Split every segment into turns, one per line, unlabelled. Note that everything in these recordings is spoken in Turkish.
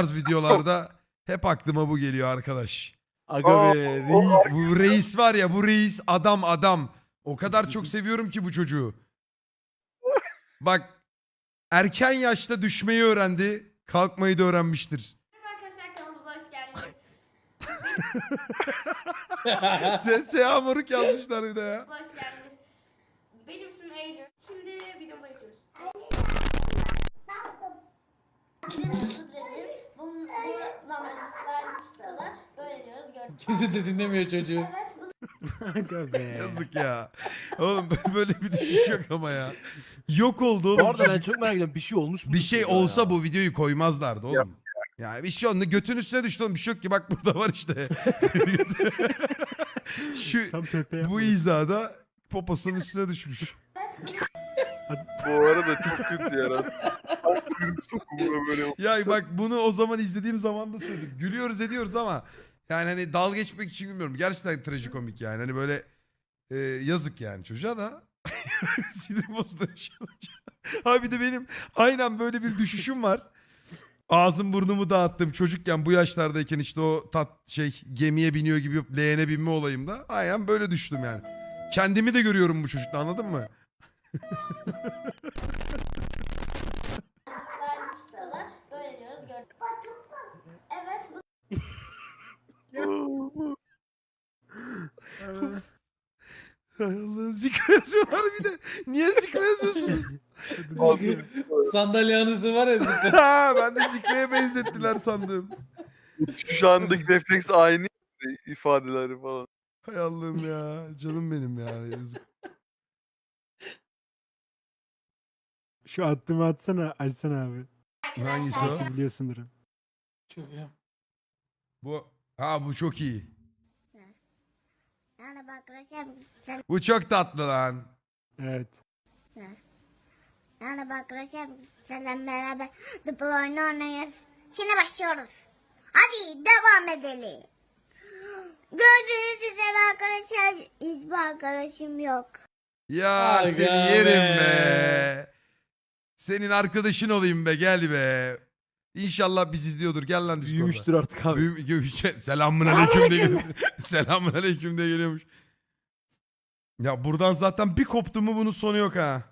tarz videolarda hep aklıma bu geliyor arkadaş.
Aga be reis.
Bu reis var ya, bu reis adam. O kadar çok seviyorum ki bu çocuğu. Bak, erken yaşta düşmeyi öğrendi, kalkmayı da öğrenmiştir.
Arkadaşlar kanalımıza hoş geldiniz.
Seha Moruk yazmışlar bir de ya.
Hoş geldiniz. Benim ismim Eylül. Şimdi videomuza geçiyoruz. Bizim sürpriz bu normalde slime çıkalı. Böyle diyoruz gördük.
Kimse de dinlemiyor çocuğu.
Evet bu
Aga be.
Yazık ya. Oğlum böyle bir düşüş yok ama ya. Yok oldu
Bu
oğlum.
arada ben çok merak ediyorum. Bir şey olmuş mu?
Bir şey olsa bu videoyu koymazlardı oğlum. Ya bir şey oldu. Götün üstüne düştü oğlum. Bir şey yok ki, bak burada var işte. Şu
Tam Pepe
bu izada poposunun üstüne düşmüş.
Bu arada çok kötü ya. Sokumuna böyle.
Ya bak, bunu o zaman izlediğim zaman da söyledim. Gülüyoruz ediyoruz ama yani hani dalga geçmek için gülmüyorum. Gerçekten trajikomik yani. Hani böyle yazık yani çocuğa da. Sinir bozdu. Ha bir de benim aynen böyle bir düşüşüm var. Ağzım burnumu dağıttım çocukken, bu yaşlardayken işte o gemiye biniyor gibi leğene binme olayımda. Aynen böyle düştüm yani. Kendimi de görüyorum bu çocukta, anladın mı?
slime çıkalı. Böyle diyoruz gördük. Evet
Hay Allah'ım, zikre yazıyorlar bir de. Niye zikre yazıyorsunuz?
Sandalye anısı var ya zıplar.
Ha, ben de zikreye benzettiler sandım.
Şu andaki refleks aynı ifadeleri falan.
Hay Allah'ım ya. Canım benim ya. Yazık.
Şu attığımı atsana. Açsana abi.
Hangisi o?
Belki biliyorsundur.
Çok iyi.
Bu çok iyi.
Yani bak arkadaşlar
Bu çok tatlı lan.
Evet.
yani bak arkadaşlar seninle beraber Dıpıl oyunu oynayız. Şimdi başlıyoruz. Hadi devam edelim. Gördüğünüz üzere arkadaşlar hiçbir arkadaşım yok.
Ya
Aga
seni yerim
be.
be. Senin arkadaşın olayım be, gel be. İnşallah biz izliyordur. Gel lan Discord'a.
Büyümüştür artık abi.
Selamun aleyküm diye geliyor. Selamun aleyküm diye geliyormuş. Ya buradan zaten bir koptu mu bunun sonu yok ha.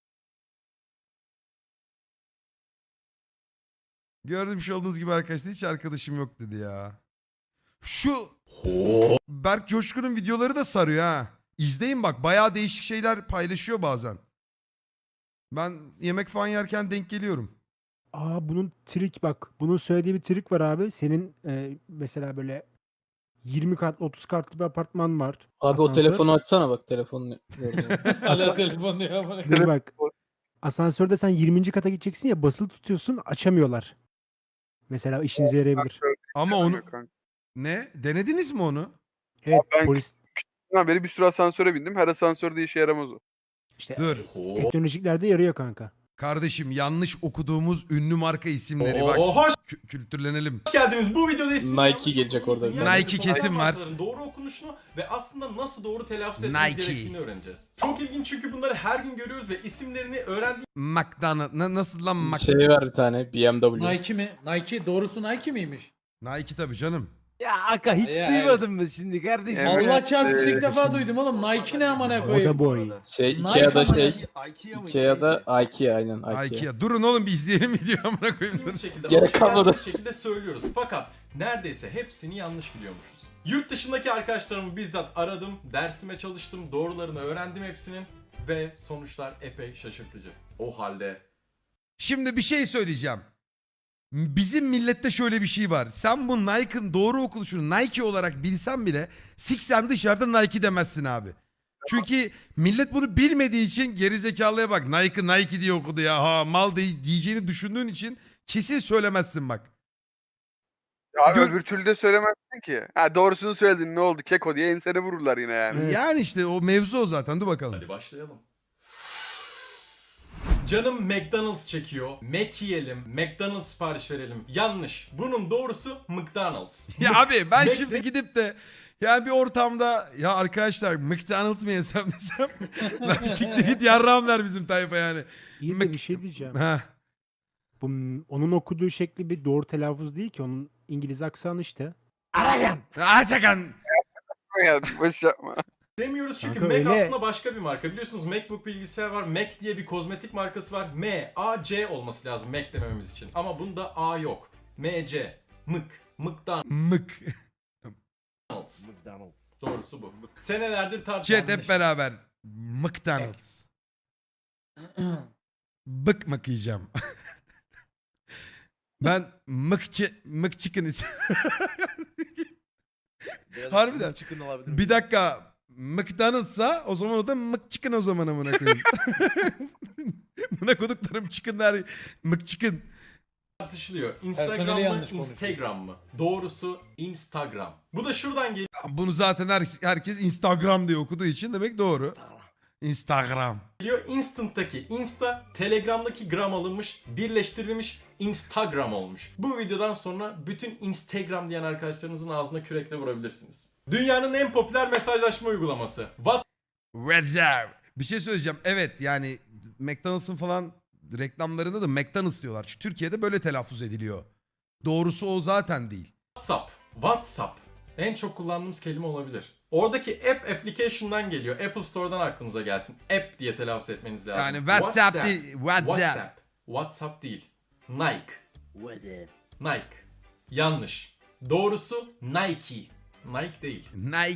Gördüğüm olduğunuz gibi arkadaşlar, hiç arkadaşım yok dedi ya. Şu Berk Coşkun'un videoları da sarıyor ha. İzleyin bak, bayağı değişik şeyler paylaşıyor bazen. Ben yemek falan yerken denk geliyorum.
Bunun trik bak. Bunun söylediği bir trik var abi. Senin mesela böyle 20 kat 30 katlı bir apartman var.
Abi o
Asansör.
telefonu açsana bak telefonunu.
Hala telefon diyor ama.
Dur bak. Asansörde sen 20. kata gideceksin ya, basılı tutuyorsun, açamıyorlar. Mesela işinize yarayabilir.
Ama onu...
Kanka.
Ne? Denediniz mi onu?
Evet,
ben-
polis
Ben beri bir sürü asansöre bindim. Her asansörde işe yaramaz o.
işte
Dur.
teknolojiklerde yarıyor kanka.
Kardeşim, yanlış okuduğumuz ünlü marka isimleri. Bak
Hoş
kültürlenelim.
geldiniz. Bu videoda ismini
Nike gelecek orada.
Nike kesin var.
Doğru okunuşunu ve aslında nasıl doğru telaffuz
Nike.
etmemiz gerektiğini öğreneceğiz. Çok ilginç çünkü bunları her gün görüyoruz ve isimlerini
McDonald. Nasıl lan
Şey var bir tane BMW.
Nike mi? Nike doğrusu Nike miymiş?
Nike tabii canım.
Ya Aka hiç
Ya,
duymadın mı şimdi kardeşim?
Evet.
Allah çarpsın ilk defa duydum oğlum. Nike ne amına
O da
koyayım.
boy.
Şey
Nike
Ikea'da
ama
şey.
ya.
Ikea'da Ikea aynen Ikea.
Ikea. Durun oğlum, bir izleyelim video amına koyayım.
bildiğimiz şekilde
Gerek
alışık
kalmadı.
olduğumuz şekilde söylüyoruz. Fakat neredeyse hepsini yanlış biliyormuşuz. Yurt dışındaki arkadaşlarımı bizzat aradım, dersime çalıştım, doğrularını öğrendim hepsinin ve sonuçlar epey şaşırtıcı. O halde
Şimdi bir şey söyleyeceğim. Bizim millette şöyle bir şey var. Sen bu Nike'ın doğru okunuşunu Nike olarak bilsen bile siksen dışarıda Nike demezsin abi. Çünkü millet bunu bilmediği için gerizekalıya bak, Nike diye okudu ya, ha mal diyeceğini düşündüğün için kesin söylemezsin bak.
Ya
Gör-
öbür türlü de söylemezsin ki. Ha doğrusunu söyledin, ne oldu keko diye ensene vururlar yine yani.
Evet.
Yani işte o mevzu o zaten, dur bakalım.
hadi başlayalım. Canım McDonald's çekiyor. Mac yiyelim. McDonald's sipariş verelim. Yanlış. Bunun doğrusu McDonald's.
Ya abi ben
Mac-
şimdi gidip de ya bir ortamda ya arkadaşlar McDonald's mı yesem desem ben bir siktir git yarrağım der bizim tayfa yani.
İyi de bir şey diyeceğim.
Ha.
Onun okuduğu şekli bir doğru telaffuz değil ki. Onun İngiliz aksanı işte.
Açakan.
Ya boş yapma.
Demiyoruz çünkü
Kanka
Mac
öyle.
aslında başka bir marka. Biliyorsunuz MacBook bilgisayar var. Mac diye bir kozmetik markası var. M-A-C olması lazım Mac demememiz için. Ama bunda A yok. M-C. McDonald's.
Mık.
Doğrusu bu. Senelerdir
Chat
tartışılan
hep beraber. McDonald's. Bık mık yiyeceğim. Ben mık chicken Harbiden. Bir dakika. McDonald's'a o zaman o da mık chicken o zaman amına koyayım. Buna koduklarım chicken der. Mık chicken.
tartışılıyor.
Personeli
Instagram mı,
yanlış konuşuyor.
Instagram mı? Doğrusu Instagram. Bu da şuradan
Bunu zaten herkes Instagram diye okuduğu için demek doğru. Instagram.
geliyor. Instant'taki Insta, Telegram'daki gram alınmış, birleştirilmiş Instagram olmuş. Bu videodan sonra bütün Instagram diyen arkadaşlarınızın ağzına kürekle vurabilirsiniz. Dünyanın en popüler mesajlaşma uygulaması.
Reserve. Bir şey söyleyeceğim. Evet yani McDonald's'ın falan reklamlarında da McDonald's diyorlar. Çünkü Türkiye'de böyle telaffuz ediliyor. Doğrusu o zaten değil.
WhatsApp. En çok kullandığımız kelime olabilir. Oradaki app application'dan geliyor. Apple Store'dan aklınıza gelsin. App diye telaffuz etmeniz lazım.
Yani WhatsApp değil. WhatsApp.
WhatsApp değil. Nike. Yanlış. Doğrusu Nike. Nike değil.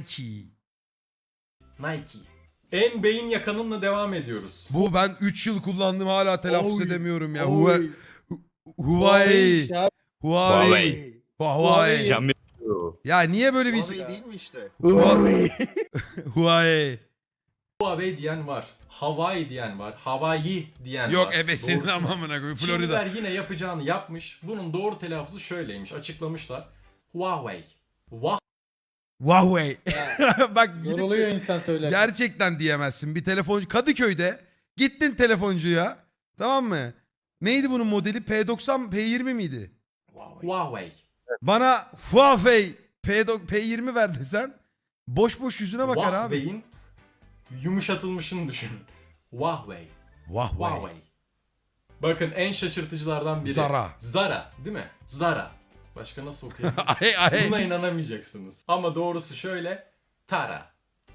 Nike.
En beyin yakanınla devam ediyoruz.
Bu ben 3 yıl kullandım hala telaffuz
Oy.
edemiyorum ya.
Oy.
Huawei.
işte abi.
Huawei. Huawei.
Cam-
Ya niye böyle bir
Huawei değil mi işte?
Huawei.
Huawei diyen var. Hawaii diyen var. Hawaii diyen var.
Yok ebesinin
Doğrusu ne?
amamına koyayım.
Çinliler
Florida.
yine yapacağını yapmış. Bunun doğru telaffuzu şöyleymiş. Açıklamışlar. Huawei.
Huawei. Bak gidip
Yoruluyor
de
insan söylerken.
gerçekten diyemezsin. Bir telefoncu Kadıköy'de gittin telefoncuya. Tamam mı? Neydi bunun modeli? P90 P20 miydi?
Huawei.
Bana Huawei P20 ver desen boş boş yüzüne bakar abi.
Huawei'in yumuşatılmışını düşünün. Huawei. Huawei. Bakın en şaşırtıcılardan biri. Zara değil mi? Zara. Başka nasıl okuyabiliriz?
Ay.
Buna inanamayacaksınız. Ama doğrusu şöyle. Tara.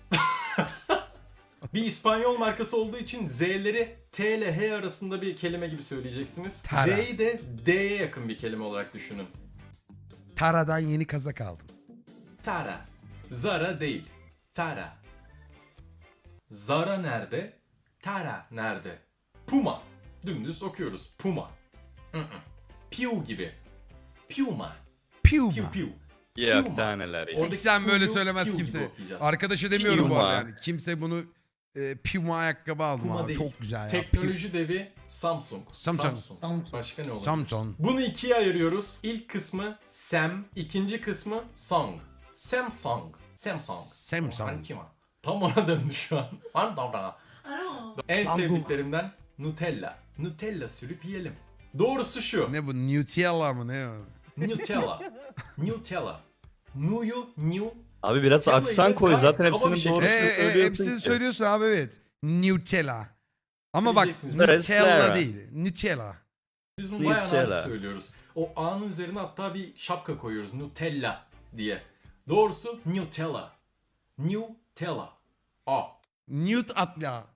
Bir İspanyol markası olduğu için Z'leri T ile H arasında bir kelime gibi söyleyeceksiniz.
Tara.
R'yi de D'ye yakın bir kelime olarak düşünün.
Tara'dan yeni kazak aldım.
Tara. Zara değil. Tara. Zara nerede? Tara nerede? Puma. Dümdüz okuyoruz. Puma. Piu gibi. Puma.
Puma.
Piu piu.
Yok
Puma.
daha neler ya.
Oradaki
Siksen böyle
Pu'yu
söylemez
Piu gibi
kimse.
okuyacağız.
Arkadaşa demiyorum bu arada
Puma.
yani. Kimse bunu Puma ayakkabı aldım
Puma
abi.
değil.
Çok güzel ya.
Teknoloji devi Samsung.
Samsung.
Başka ne olabilir?
Samsung.
Bunu ikiye ayırıyoruz. İlk kısmı Sam, ikinci kısmı Song. Samsung.
Samsung.
Tam ona döndü şu an. En sevdiklerimden Nutella. Nutella sürüp yiyelim. Doğrusu şu.
Ne bu? Nutella mı ne o?
Nutella. Nutella. New.
Abi biraz
Nutella'yı
aksan
da
koy
gayet
zaten
kaba bir
hepsinin
şekilde-
doğrusunu söylüyorsun
Hepsini
ki.
söylüyorsun abi evet. Nutella. Ama bak
Bileceksiniz.
Nutella
Nutella.
değil. Nutella.
Biz bunu bayağı
Nutella.
nazik söylüyoruz. O A'nın üzerine hatta bir şapka koyuyoruz. Nutella diye. Doğrusu Nutella. Nutella. A.
Newt atla.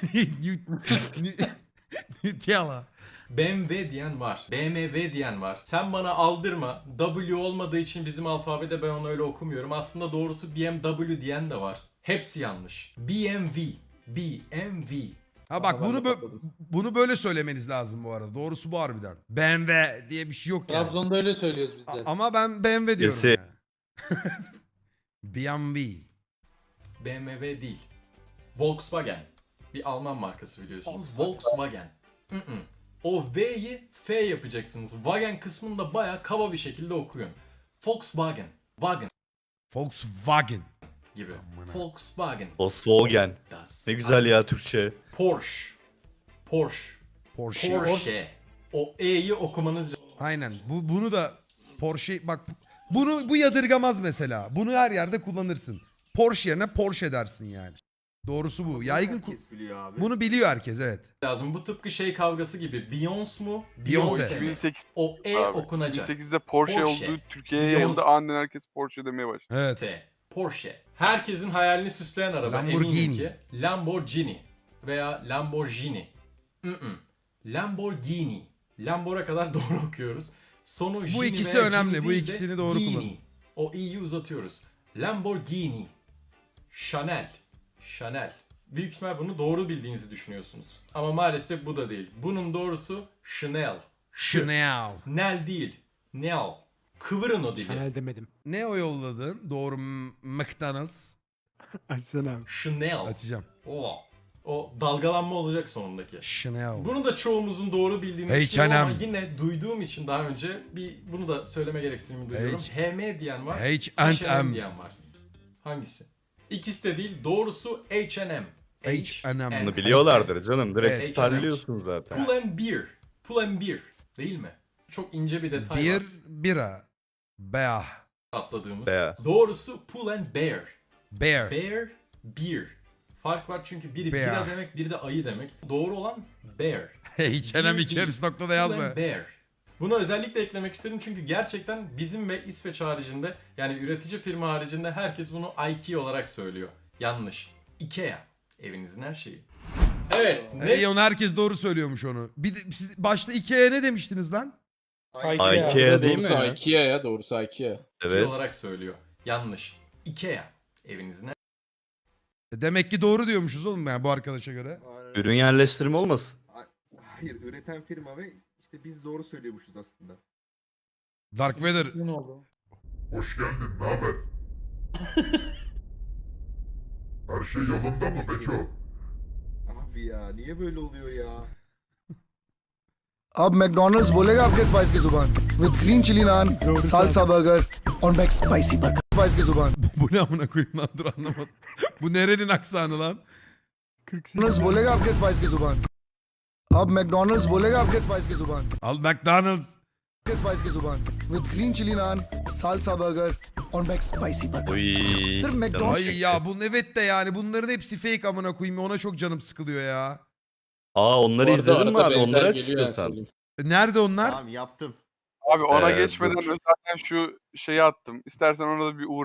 Nutella.
BMW diyen var. BMW diyen var. Sen bana aldırma. W olmadığı için bizim alfabede ben onu öyle okumuyorum. Aslında doğrusu BMW diyen de var. Hepsi yanlış. BMW.
Ha bak
Ama ben
bunu
de patladım.
bunu böyle söylemeniz lazım bu arada. Doğrusu bu harbiden. BMW diye bir şey yok yani.
Trabzon'da öyle söylüyoruz biz de.
Ama ben BMW diyorum
Kesin.
yani. BMW.
BMW değil. Volkswagen. Bir Alman markası biliyorsunuz. Volkswagen. O V'yi F yapacaksınız. Wagen kısmını da bayağı kaba bir şekilde okuyun. Volkswagen. Wagen
Volkswagen.
gibi.
Amına.
Volkswagen.
Volkswagen.
Das.
Ne güzel ya Türkçe.
Porsche.
Porsche.
O E'yi okumanız lazım.
Aynen. Bunu da Porsche bak bu yadırgamaz mesela. Bunu her yerde kullanırsın. Porsche yerine Porsche dersin yani. Doğrusu bu.
Bunu
Yaygın
herkes biliyor abi.
bunu biliyor herkes, evet.
lazım. Bu tıpkı şey kavgası gibi. Beyoncé mu?
Beyoncé.
mi?
2008
O E
abi.
okunacak.
2008'de Porsche
Porsche.
oldu. Türkiye'ye
Beyoncé.
yayıldı. Aniden herkes Porsche demeye başladı.
Evet.
Porsche. Herkesin hayalini süsleyen araba
Lamborghini.
eminim ki. Lamborghini veya Lamborghini. Lamborghini. Lambora kadar doğru okuyoruz. Sonu
Bu
Gini
ikisi
veya
önemli.
Gini
Bu
değil de
ikisini doğru
Gini.
kullanın.
O i'yi uzatıyoruz. Lamborghini. Chanel. Chanel. Büyük ihtimal bunu doğru bildiğinizi düşünüyorsunuz. Ama maalesef bu da değil. Bunun doğrusu Chanel.
Chanel.
Nel değil. Nel. Kıvırın o dili.
Chanel demedim.
Ne o yolladın? Doğru McDonald's.
Açsana abi.
Chanel.
Açacağım.
O dalgalanma olacak sonundaki.
Chanel.
Bunu da çoğumuzun doğru bildiğini
H&M.
düşünüyorum ama yine duyduğum için daha önce bunu da söyleme gereksinimi duyuyorum. HM diyen var,
H&M.
diyen var. Hangisi? İkisi de değil. Doğrusu H&M.
H&M.
Bunu biliyorlardır canım. Direkt
Evet.
siperliyorsun zaten.
Pull and Beer. Pull and Beer. Değil mi? Çok ince bir detay
Bir
var
bira. Bear.
atladığımız.
Bear.
Doğrusu Pull and Bear.
Bear.
Bear, Beer. Fark var çünkü biri
Bear.
bira demek, biri de ayı demek. Doğru olan Bear.
H&M iki hepsi noktada yazma.
Pull and Bear. Bunu özellikle eklemek istedim çünkü gerçekten bizim ve İsveç haricinde yani üretici firma haricinde herkes bunu IKEA olarak söylüyor. Yanlış. IKEA. Evinizin her şeyi. Evet.
Onu herkes doğru söylüyormuş onu. Bir de, siz başta Ikea'ya ne demiştiniz lan?
IKEA değil
Doğrusu
mi?
IKEA ya. Doğrusu IKEA.
IKEA
Evet.
olarak söylüyor. Yanlış. IKEA. Evinizin her
Demek ki doğru diyormuşuz oğlum yani bu arkadaşa göre.
Ürün yerleştirme olmasın?
Hayır, üreten firma ve işte biz doğru söylüyormuşuz aslında.
Dark Vader.
Ne oldu?
Hoş geldin, ne haber? Her şey yolunda mı Beço?
Abi ya niye böyle oluyor ya?
अब McDonald's बोलेगा आपके spice की जुबान with green chilli naan salsa burger और McSpicy burger spice की जुबान
Bu ne amına koyayım lan, dur anlamadım. Bu nerenin aksanı lan?
48.
McDonald's बोलेगा आपके स्पाइस की जुबान अब मैकडोनल्ड्स बोलेगा आपके स्पाइस की जुबान
Al McDonald's.
आपके स्पाइस की जुबान with green chilli naan salsa burger और McSpicy burger
Uy.
Sırf
canım
McDonald's-
Ay
çekti.
ya bunun evet de yani bunların hepsi fake amına koyayım. Ona çok canım sıkılıyor ya.
Aa onları
Bu arada
izledin mi
arada
abi?
benzer
Onları aç
geliyor yani
istiyorsan.
söyleyeyim.
Nerede onlar?
Tamam yaptım.
Abi ona
Dur.
geçmeden zaten şu şeyi attım. İstersen ona da bir uğra.